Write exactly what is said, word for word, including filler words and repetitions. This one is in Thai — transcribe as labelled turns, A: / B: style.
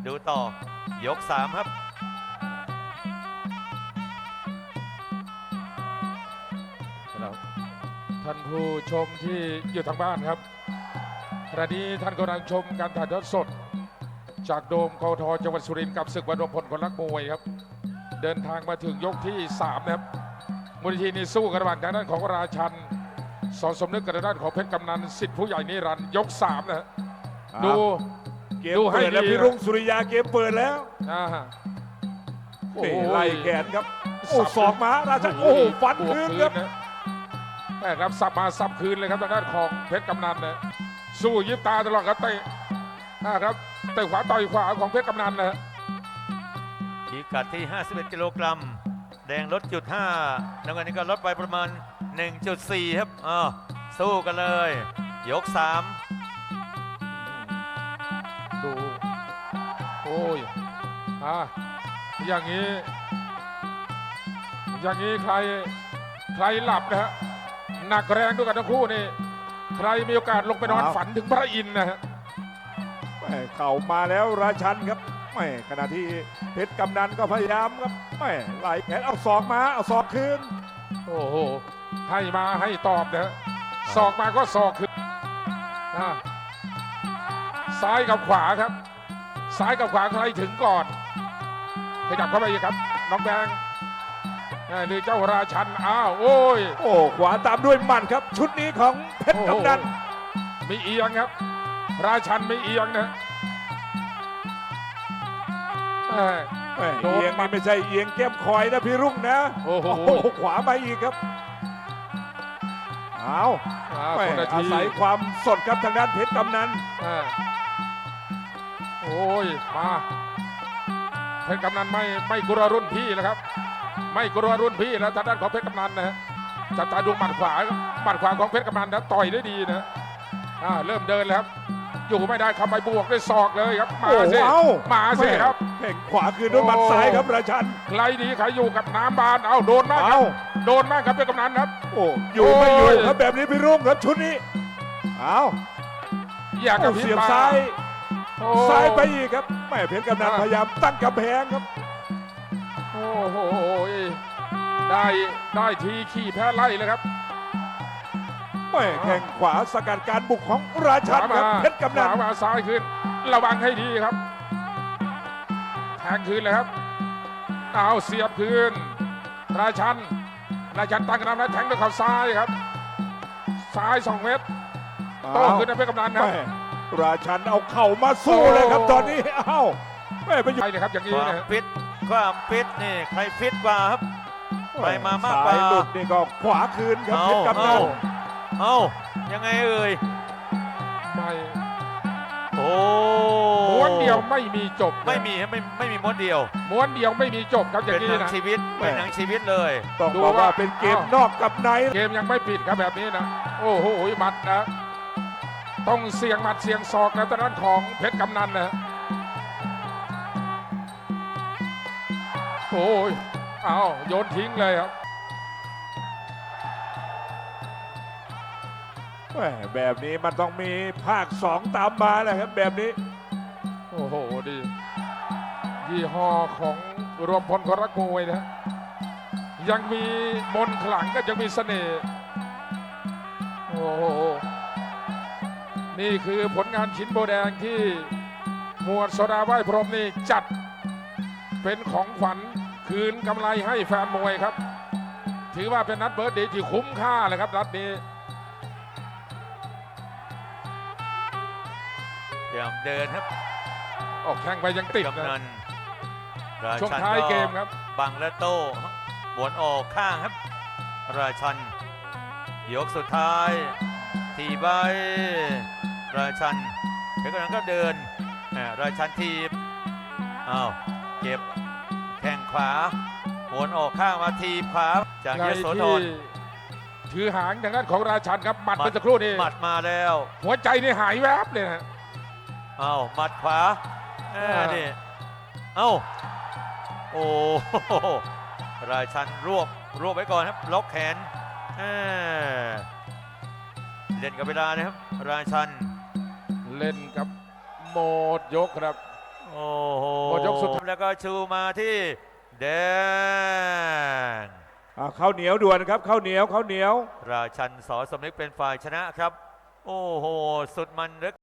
A: ดูต่อยกสามครับ
B: ท่านผู้ชมที่อยู่ทางบ้านครับขณะนี้ท่านกำลังชมการถ่ายทอดสดจากโดมกทจังหวัดสุรินทร์กับศึกวันรวมพลคนรักมวยครับเดินทางมาถึงยกที่สามนะครับมูลนิธินี้สู้กันระหว่างทางด้านของราชันสอนสมนึกกับทางด้านของเพชรกำนันสิทธิผู้ใหญ่นิรันดร์ยกสามนะดู
C: เกมเปิดแล้วพี่รุ่งสุริยาเกมเปิดแล้ว
B: อ่าโอ้
C: ไล่แขนครับโอ้ศอกมาราชันโอ้ฟันคืนครับ
B: แม่ครับสับมาสับคืนเลยครับทางด้านของเพชรกำนันนะสู้ยิบตาตลอดครับเตะนะครับเตะขวาต่อยขวาของเพชรกำนันนะ
A: พิกัดที่ห้าสิบเอ็ดกิโลกรัมแดงลดจุดห้าน้ำเงินนี่ก็ลดไปประมาณ หนึ่งจุดสี่ ครับอ้าวสู้กันเลยยกสาม
B: ดูโอ้ยอ่ะอย่างนี้อย่างนี้ใครใครหลับนะฮะหนักแรงด้วยกันทั้งคู่นี่ใครมีโอกาสลงไปนอนฝันถึงพระอินทร์นะฮะ
C: เข่ามาแล้วราชันครับไม่ขณะที่เพชรกำนันก็พยายามครับไม่ไล่แขนเอาศอกมาเอาศอกคืน
B: โอ้โหให้มาให้ตอบนะฮะศอกมาก็ศอกคืนอ่ะซ้ายกับขวาครับซ้ายกับขวาใครถึงก่อนขยับเข้าไปอีกครับน้องแดงนี่เจ้าราชันอ้าวโอ้ย
C: โอ้ขวาตามด้วยหมัดครับชุดนี้ของเพชรกำนัน
B: มีเอียงครับราชันไม่เอียงนะเอ้ย
C: เอ้ย
B: โดน
C: เอียง
B: หมั
C: นี่
B: ด
C: ไม่ใช่เอียงแก้มคอยนะพี่รุ่งนะ
B: โอ้โห
C: ขวามาอีกครับเอา
B: อ่า
C: แม่
B: คนละ
C: อา
B: ที
C: ศัยความสดครับทางด้านเพชรกำนัน
B: อ่าโอ้ยมาเพชรกำนันไม่ไม่กลัวรุ่นพี่นะครับ ไม่กลัวรุ่นพี่แล้วทางด้านของเพชรกำนันนะฮะจับตาดูหมัดขวาหมัดขวาของเพชรกำนันนะต่อยได้ดีนะอ่าเริ่มเดินแล้วครับอยู่ไม่ได้เข้าไปบวกด้วยศอกเลยครับมาสิ
C: โอ้โห
B: มาสิครับ
C: แข่งขวาคืนด้วยหมัดซ้ายครับราชัน
B: ใครดีใครอยู่กับน้ำบานเอาโดนมากครั
C: เอา
B: บโดนมากครับเพชรกำนันครับ
C: โอ้อยู่ไม่อยู่ครับแบบนี้พี่รุ่งครับชุดนี้เอา
B: อยากกับ
C: โอ้
B: พี่
C: เสียบ
B: ปา
C: ซ้าย
B: โอ้
C: ซ้ายไปอีกครับแม่เพชรกำนันพยายามตั้งกำแพงครับ
B: โอ้โหได้ได้ทีขี่แพ้ไล่เลยครับ
C: แม่แข่งขวาสกัดการบุกของราชันครับเพชรกำนัน
B: ขวามาซ้ายขึ้นระวังให้ดีครับแทงคืนเลยครับเอาเสียบคืนราชันราชันตั้งกระนำแล้วแทงด้วยเข่าซ้ายครับซ้ายสองเมตรโต้ขึ้นนะเพชรกำนันครับ
C: แม่ราชันเอาเข่ามาสู้เลยครับตอนนี้เอ้าแม่ไปอยู่
B: ไปเลยครับอย่าง
A: ค
B: นี้
A: วาม
B: นะ
A: ฟิตความฟิตนี่ใครฟิตกว่าครับ ไปมามากกว่า
C: สยหลุดนี่ก็ขวาคืนครับเพชรกำนัน
A: เอ้ายังไงเอ่ย
B: ไม่
A: โอ้
B: ม้วนเดียวไม่มีจบ
A: ไม่มีครับไม่ไม่มีม้วนเดียว
B: ม้วนเดียวไม่มีจบครับอย่า
A: เป็
B: ง
A: น
B: นี้
A: หนัง
B: นะ
A: ชีวิตเป็นหนังชีวิตเลย
C: ต้อง
B: ดู
C: บอกว่า
B: ว่า
C: เป็นเกม
B: อ้าว
C: นอกกับใน
B: เกมยังไม่ปิดครับแบบนี้นะโอ้โหหมัดนะต้องเสี่ยงหมัดเสี่ยงศอกนะตอนนั้นของเพชรกำนันนะโอ้ยเอาโยนทิ้งเลยครับ
C: แม่แบบนี้มันต้องมีภาคสองตามมาแหละครับแบบนี้
B: โอ้โหดียี่ห้อของรวมพลคนรักมวยนะยังมีมนต์ขลังก็ยังมีเสน่ห์โอ้โหนี่คือผลงานชิ้นโบแดงที่หมวดโซดาไหว้พรหมนี่จัดเป็นของขวัญคืนกำไรให้แฟนมวยครับ ถือว่าเป็นนัดเบิร์ดเดย์ที่คุ้มค่าเลยครับนัดนี้
A: เดี๋ยวเดินครับ
B: ออกแข่งไปยังติด
A: กำนั
B: นะ
A: นรา
B: ช่วง
A: ชัน
B: ท้ายเกมครับ
A: บังและโต้บวนออกข้างครับ ราชันยกสุดท้ายทีใบราชันเพชรกำนันก็เดินอ่าราชันทีบอ้าวเก็บแข้งขวาหวนออกข้างมาทีบขวาจาก
B: ใน
A: ยโสธ
B: ที่
A: ร
B: ถือหางทางด้านของราชันครับหมัดเมื่อสักครู่นี้
A: หมัดมาแล้ว
B: หัวใจนี่หายแวบเลยนะ
A: อ้าวหมัดขวาเอ้ย
B: อ่า
A: นี่เอ้าโอ้โหราชันรวบรวบไว้ก่อนครับล็อกแขนเอ้ยเล่นกับเวลานะครับราชัน
B: เล่นกับโหมดยกครับ
C: แ
A: โอ้โห
B: หมดยกสุดท้าย
A: แล้วก็ชูมาที่แดง
C: อ่าข้าวเหนียวด่วนครับข้าวเหนียวข้าวเหนียว
A: ราชันสอสมนึกเป็นฝ่ายชนะครับ โอ้โห สุดมันเหลือ